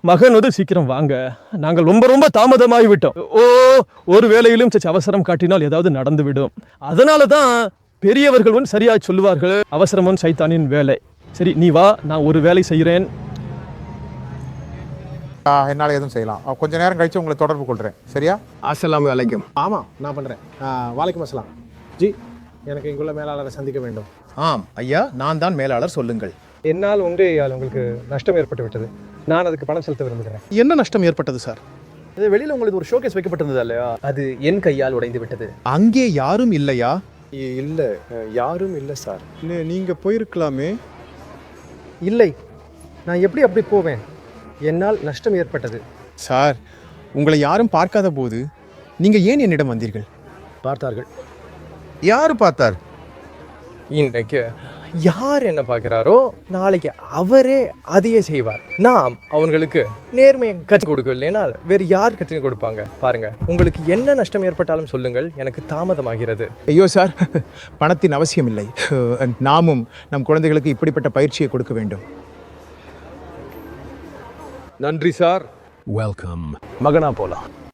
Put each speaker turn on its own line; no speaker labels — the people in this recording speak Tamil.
மகன் வந்து சீக்கிரம் வாங்க, நாங்கள் ரொம்ப ரொம்ப தாமதமாகி விட்டோம். ஒரு வேளையிலும் சற்று அவசரம் காட்டினால் ஏதாவது நடந்துவிடும். அதனால தான் பெரியவர்கள் வந்து சரியா சொல்லுவார்கள், அவசரமும் சைத்தானின் வேலை. சரி நீ வா, நான் ஒரு வேலை செய்கிறேன்.
என்னால் எதுவும் செய்யலாம். கொஞ்ச நேரம் கழிச்சு உங்களை தொடர்பு கொள்கிறேன். சரியா?
அஸ்ஸலாமு அலைக்கும்.
ஆமாம், நான் பண்ணுறேன். வாலைக்கும் அஸ்ஸலாம். ஜி, எனக்கு இங்குள்ள மேலாளரை சந்திக்க வேண்டும்.
ஆம் ஐயா, நான் தான் மேலாளர், சொல்லுங்கள்.
என்னால் உங்களுக்கு நஷ்டம் ஏற்பட்டு விட்டது. நான் அதுக்கு பணம் செலுத்த விரும்புகிறேன்.
என்ன நஷ்டம் ஏற்பட்டது சார்?
இது வெளியில் உங்களுக்கு ஒரு ஷோகேஸ் வைக்கப்பட்டிருந்தது இல்லையா? அது என் கையால் உடைந்து விட்டது.
அங்கே யாரும் இல்லையா?
இல்லை, யாரும் இல்லை சார்.
நீங்கள் போயிருக்கலாமே.
இல்லை, நான் எப்படி அப்படி போவேன்? என்னால் நஷ்டம் ஏற்பட்டது.
சார், உங்களை யாரும் பார்க்காத போது நீங்கள் ஏன் என்னிடம் வந்தீர்கள்?
பார்த்தார்கள்.
யார் பார்த்தார்?
இன்றைக்கு யார் என்ன பார்க்கிறாரோ நாளைக்கு அவரே அதையே செய்வார். நாம் அவங்களுக்கு நேர்மையை கற்றுக் கொடுக்கலைனால் வேறு யார் கற்றுக் கொடுப்பாங்க? பாருங்க, உங்களுக்கு என்ன நஷ்டம் ஏற்பட்டாலும் சொல்லுங்கள், எனக்கு தாமதமாகிறது.
ஐயோ சார், பணத்தின் அவசியம் இல்லை. நாமும் நம் குழந்தைகளுக்கு இப்படிப்பட்ட பயிற்சியை கொடுக்க வேண்டும்.
நன்றி சார்.
வெல்கம்.
மகனா போலாம்.